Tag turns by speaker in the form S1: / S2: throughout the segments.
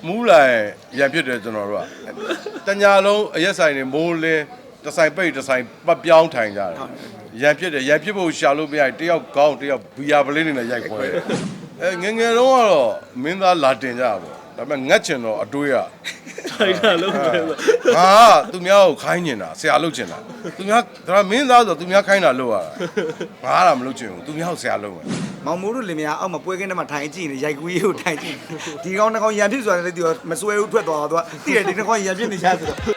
S1: မူးလာရံဖြစ်တယ်ကျွန်တော်တို့ကတညာလုံးအရက်ဆိုင်တွေမိုးလင်းတဆိုင်ပိတ်တဆိုင်ပတ်ပြောင်းထိုင်ကြတယ်ရံဖြစ်တယ်ရံဖြစ်ဖို့ရှာလို့မရတယောက်ကောင်းတယောက်ဘီယာပလင်းနေနဲ့ရိုက်ခွဲတယ်ငငယ်တော့ကတော့မင်းသားလာတင်ကြပါဒါပေမဲ့ငတ်ချင်တော့အတွေးရ
S2: ထိုင်တာလုံးပဲ
S1: ဟာသူများကိုခိုင်းနေတာဆရာလုပ်ချင်တာသူများဒါမင်းသားဆိုသူများခိုင်းတာလုပ်ရတာငါကမလုပ်ချင်ဘူးသူများကိုဆရာလုပ်မယ်
S3: မောင်မိုးတို့လင်မယားအောက်မှာပွဲကင်းထဲမှာထိုင်ကြည့်နေရိုက်ကူးရေးကိုထိုင်ကြည့်ဒီကောင်တစ်ကောင်ရံဖြစ်ဆိုတာလည်းသူမစွဲဘူးထွက်သွားတော့သူကတိတယ်ဒီတစ်ကောင်ရံဖြစ်နေချဆိုတော့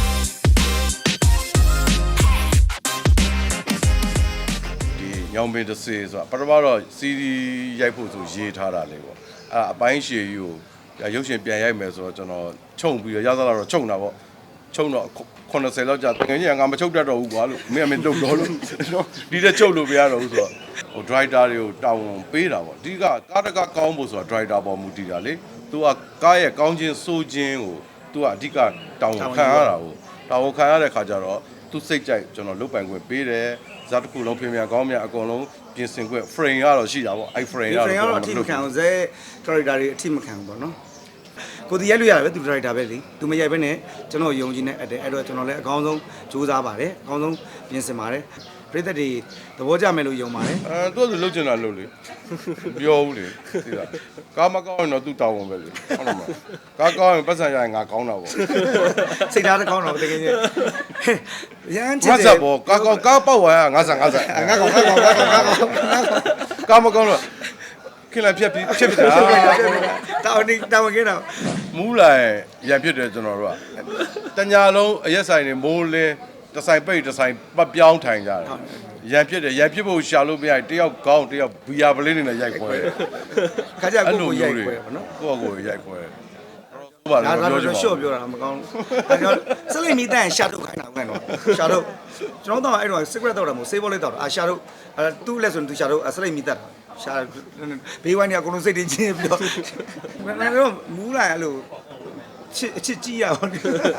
S1: ဒီညောင်ပင်တစ်စေဆိုတာပထမတော့စီဒီရိုက်ဖို့ဆိုရေးထားတာလေပေါ့အဲ့အပိုင်းရှည်ကြီးကိုရုပ်ရှင်ပြန်ရိုက်မယ်ဆိုတော့ကျွန်တော်ခြုံပြီးတော့ရသလားတော့ခြုံတာပေါ့ခြုံတော့80လောက်ကြာတကယ်ကြီးငါမချုပ်တတ်တော့ဘူးကွာလို့မင်းလုတ်တော့လို့ဒီတဲ့ချုပ်လို့မရတော့ဘူးဆိုတော့ဟို driver တွေကိုတောင်းပေးတာပေါ့အဓိကကားတကားကောင်းဖို့ဆိုတာ driver ပေါ်မူတည်တာလေသူကကားရဲ့ကောင်းခြင်းစိုးခြင်းကိုသူကအဓိကတောင်းခံရတာကိုတောင်းခံရတဲ့ခါကျတော့သူစိတ်ကြိုက်ကျွန်တော်လုတ်ပိုင်ခွင့်ပေးတယ်ဇာတ်တစ်ခုလုံးပြင်ပြန်ကောင်းမြန်အကုန်လုံးပြင်ဆင်ခွင့် frame ကတော့ရှိတာပေါ့အဲ့ frame ကတော့
S3: အထိမခံဘူးဇဲ character တွေအထိမခံဘူးပေါ့နော်ကိုဒီရိုက်လို့ရတယ်ပဲသူ character ပဲလေသူမရိုက်ဘဲနဲ့ကျွန်တော်ယုံကြည်နေအဲ့တော့ကျွန်တော်လည်းအကောင်းဆုံးစူးစမ်းပါတယ်အကောင်းဆုံးပြင်ဆင်ပါတယ်ပရိသတ်တွေသဘောကျမယ်လို့ယုံပါတယ်
S1: သူကလုတ်ချင်တာလုတ်လေပြောဘူးလေသိလားကားမကောင်းရင်တော့သူ့တောင်းဝင်ပဲလေဟုတ်လားမကားကောင်းရင်ပတ်စံရရင်ငါကောင်းတာပေါ့
S3: စိတ်ဓာတ်ကောင်းတော့တကယ်ကြီးရမ်းချစ်
S1: တယ်ငါစားပေါ့ကားကောင်းကားပေါက်သွားရငါစား
S3: ငါကောင်း
S1: ကားမကောင်းတော့ခင်လာဖြတ်ပြီးတာ
S3: တောင်းကင်းတော့
S1: မူးလာရံဖြစ်တယ်ကျွန်တော်တို့ကတညာလုံးအရက်ဆိုင်တွေမိုးလင်းတဆိုင်ပိတ်တဆိုင်ပတ်ပြောင်းထိုင်ကြတယ်ရံဖြစ်တယ်ရံဖြစ်ဖို့ရှာလို့မရတယောက်ကောင်းတယောက်ဘီယာပလင်းနေနဲ့ရိုက်ခွဲတယ်
S3: ခါကြကိုရိုက်ခွဲပါနော်
S1: ကိုရိုက်ခွဲ
S3: ဒါတော့ရှော့ပြောတာမကောင်းဘူးကျွန်တော်စလိမီတန်ရှာတော့ခိုင်းတာခိုင်းတော့ရှာတော့ကျွန်တော်တော့အဲ့တော့ secret တော့တာမဟုတ် save လေးတော့တာရှာတော့သူ့လက်ဆိုသူရှာတော့စလိမီတက်ရှာဘေးဝိုင်းနေအကုန်လုံးစိတ်တင်းချင်းပြီးတော့တော့မူးလာအဲ့လိုချစ်ကြည့်ရအောင်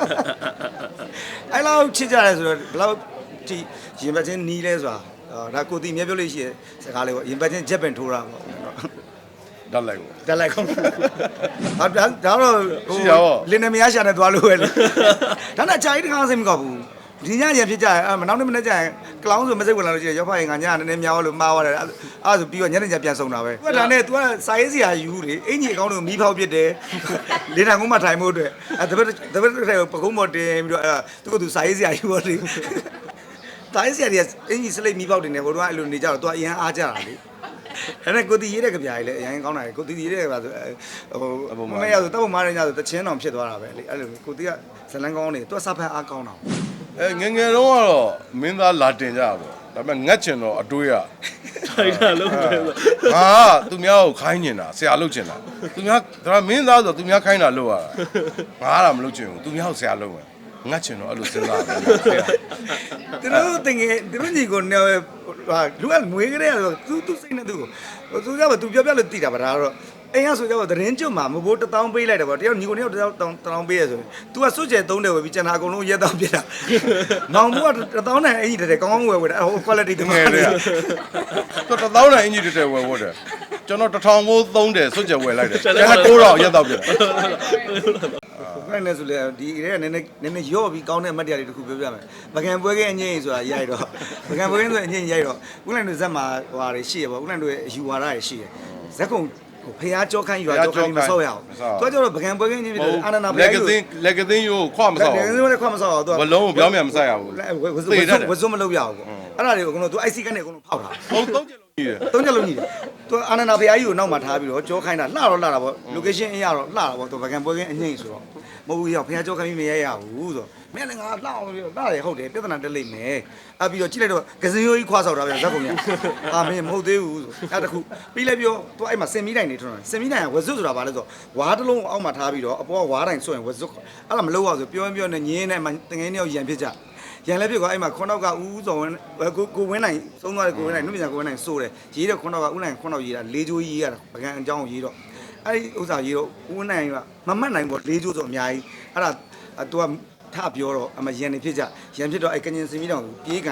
S3: အဲ့လောက်ချစ်ကြတယ်ဆိုတော့ဘယ်လောက်ဒီရင်ပတ်ချင်းနီးလဲဆိုတာဒါကိုတီမြဲပြောလို့ရှိရစကားလေးပေါ့ရင်ပတ်ချင်းဂျက်ပင်ထိုးတာပေါ့
S1: တက်လိုက်
S3: ကောဟာဒါတော့ဟိုလင်းနေမရရှာနေသွားလို့ပဲလေဒါနဲ့အကြာကြီးတခါစိတ်မကောက်ဘူးဒီညရဖြစ်ကြရင်မနောက်နေ့မနေ့ကျရင်ကလောင်းဆိုမစိတ်ဝင်လာလို့ရှိရင်ရောက်ဖရင်ငါညနည်းနည်းများလို့မှားသွားတယ်အဲ့ဆိုပြီးတော့ညနေကျပြန်ဆုံးတာပဲသူကဒါနဲ့ तू ကစာရေးစရာယူလေအင်ကြီးအကောင်းလို့မီးဖောက်ပစ်တယ်လေတံကုန်းမှာထိုင်ဖို့အတွက်တပတ်ပကုံးပေါ်တင်ပြီးတော့သူကသူစာရေးစရာယူတော့လေစာရေးစရာတွေအင်ကြီးစလိတ်မီးဖောက်တင်နေဟိုတော့အဲ့လိုနေကြတော့ तू အရင်အားကြတာလေအဲ့ဒါကိုတီရေးတဲ့ကြပြားကြီးလည်းအရင်ကောင်းတာလေကိုတီရေးတဲ့ကြပြားဆိုဟိုမရဆိုတောက်မားရညဆိုတချင်းတောင်ဖြစ်သွားတာပဲလေအဲ့လိုကိုတီကဇလန်းကောင်းနေ तू စာဖတ်အားကောင်းတာ
S1: ငငယ်တော့ကတော့မင်းသားလာတင်ကြပါဒါပေမဲ့ငတ်ချင်တော့အတွေးရ
S2: ထိုင်တာလုံးပဲ
S1: ဟာသူများကိုခိုင်းနေတာဆရာလုပ်ချင်တာသူများဒါမင်းသားဆိုသူများခိုင်းတာလုပ်ရတာငါကမလုပ်ချင်ဘူးသူများကိုဆရာလုပ်မယ်ငတ်ချင်တော့အဲ့လိုစဉ်းစားတယ်
S3: သူတို့တင်ငယ်သူတို့ညီကိုနေဟာလူကငွေကြတဲ့ဆိုသူစိတ်နဲ့သူကိုသူကသူပြောပြလို့တည်တာပါဒါတော့အိမ်ကဆိုကြတော့သတင်းကျွတ်မှာမဘိုး1000ပေးလိုက်တယ်ပေါ့တယောက်ညီကိုတယောက်1000ပေးရဆိုရင် तू ကစွတ်ကျဲ3တယ်ဝယ်ပြီးကျန်တာအကုန်လုံးရက်တောင်းပြတာမောင်ဘိုးက1000နဲ့အင်ကြီးတဲ့ကောင်းကောင်းဝယ်တာဟို quality တကယ်လေ
S1: သူ1000နဲ့အင်ကြီးတဲ့ဝယ်ဖို့တယ်ကျွန်တော်1000ဘိုး3တယ်စွတ်ကျဲဝယ်လိုက်တယ်ကျန်တာ9000ရက်တောင်းပြတာ
S3: ဘယ်နဲ့ဆိုလဲဒီရဲနည်းနည်းရော့ပြီးကောင်းတဲ့အမှတ်တရတွေတခုပြောပြမယ်ပကံပွဲကအငိမ့်ဆိုတာရိုက်တော့ပကံပွဲကဆိုအငိမ့်ရိုက်တော့ဦးလိုင်တို့ဇက်မှာဟွာတွေရှိရပေါ့ဦးလိုင်တို့ရဲ့အယူဝါဒတွေရှိရဇက်ကုံဖះကြောခိုင်းရွာကြောခိုင်းမဆောက်ရအောင်သူကကျတော့ပကံပွဲကင်းကြီးပြီးတော့အာနနာဖះကြီး
S1: လက်ကသိန်းရိုးခွမဆောက်
S3: လက်ကသိန်းရိုးလည်းခွမဆောက်အောင်သူက
S1: ဘလုံးကိုပြောင်းပြန်မဆိုင်ရဘူး
S3: ဝဇွတ်မလုပ်ရအောင်ပေါ့အဲ့ဒါတွေကိုအကုန်လုံးသူ IC ကနေအကုန်လုံးဖောက်တာ
S1: ဟုတ်3ချက်လုံးကြီးတယ်
S3: 3ချက်လုံးကြီးတယ်သူအာနနာဖះကြီးကိုနောက်မှာထားပြီးတော့ကြောခိုင်းတာလှတော့လှတာပေါ့ location အရတော့လှတာပေါ့သူပကံပွဲကင်းအငိမ့်ဆိုတော့မဟုတ်ဘူးရောက်ဖះကြောခိုင်းပြီးမရရဘူးဆိုတော့မင်းလည်းငါလှအောင်ပြီးတော့လှတယ်ဟုတ်တယ်ပြဿနာတက်လိမ့်မယ်အဲ့ပြီးတော့ကြည့်လိုက်တော့ကစင်ရိုးကြီးခွာဆောက်တာပြန်ဇက်ကုန်ရအာမင်းမဟုတ်သေးဘူးဆိုအဲ့တခုပြီးလိုက်ပြောသူအဲ့မှာစင်မီးတိုင်နေထွန်းတယ်စင်မီးတိုင်ကဝဇွတ်ဆိုတာဘာလဲဆိုတော့ဝါးတစ်လုံးအောက်မှာထားပြီးတော့အပေါ်ကဝါးတိုင်ဆွရင်ဝဇွတ်အဲ့ဒါမလုပ်ရဆိုပြောနေညင်းနဲ့တငယ်နှစ်ယောက်ရံဖြစ်ကြရန်လည်းဖြစ်ကွာအဲ့မှာခွန်းတော့ကဦးစော်ဝင်းကိုဝင်းနိုင်သုံးသွားတယ်ကိုဝင်းနိုင်နှုတ်ပြန်ကိုဝင်းနိုင်စိုးတယ်ရေးတဲ့ခွန်းတော့ကဦးနိုင်ခွန်းတော့ရေးတာ၄ကျိုးရေးရတာပကံအကြောင်းရေးတော့အဲ့ဒီဥစ္စာရေးတော့ဦးဝင်းနိုင်ကမမှတ်နိုင်ပေါ့၄ကျိုးဆိုအများကြီးအဲ့ဒါ तू ကထပြောတော့အမရန်နေဖြစ်ကြရန်ဖြစ်တော့အဲ့ကညင်စင်မီတောင်ပြေးကန်လိုက်တာ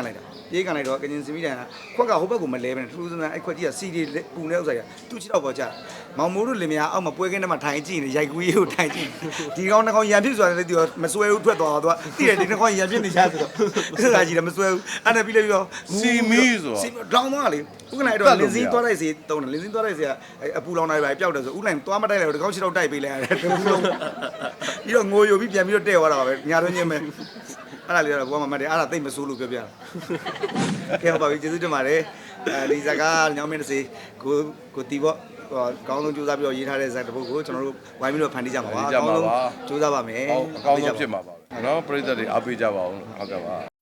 S3: ပြေးကန်လိုက်တော့ကင်ဂျင်စမီတန်ခွက်ကဟိုဘက်ကိုမလဲပဲထူးဆန်းဆန်းအဲ့ခွက်ကြီးကစီဒီပူနေဥစ္စာကြီးသူ့ချစ်တော့ပေါ်ကြမောင်မိုးတို့လင်မယားအောက်မှာပွဲကင်းထဲမှာထိုင်ကြည့်နေရိုက်ကူးရေးကိုထိုင်ကြည့်ဒီကောင်တစ်ကောင်ရံဖြစ်ဆိုတာလည်းသူမစွဲဘူးထွက်သွားတော့သူသိတယ်ဒီတစ်ကောင်ရံဖြစ်နေချဆိုတော့အဲ့ဒါကြီးလည်းမစွဲဘူးအဲ့ဒါပြီးလည်းပြီးတော့
S1: စီမီဆို
S3: စီဒေါင်းသွားလေဥက္ကနိုင်တော့လင်းစင်းသွားလိုက်စီတုံးတယ်လင်းစင်းသွားလိုက်စီကအပူလောင်နိုင်ပါပျောက်တယ်ဆိုဥလိုက်သွားမတိုက်လိုက်တော့ဒီကောင်ချစ်တော့တိုက်ပေးလိုက်ရတယ်ပြီးတော့ငိုယိုပြီးပြန်ပြီးတော့တဲ့သွားတာပါပဲညာတော့ညင်းမဲ့အဲ့ဒါလေးတော့ဘောမမတ်တယ်အဲ့ဒါသိမ့်မဆိုးလို့ပြောပြတာကဲဟုတ်ပါပြီကျေးဇူးတင်ပါတယ်ဒီဇာကညောင်းမင်းတစ်စီကိုတီပေါ့ကောင်းဆုံးကြိုးစားပြီးတော့ရေးထားတဲ့ဇာတ်တစ်ပုဒ်ကိုကျွန်တော်တို့ဝိုင်းပြီးတော့ဖန်တီးကြပါပါအကောင်းဆုံးကြိုးစားပါမယ်
S1: အကောင်းဆုံးဖြစ်မှာပါပဲเนาะပရိသတ်တွေအားပေးကြပါအောင်ဟုတ်ကဲ့ပါ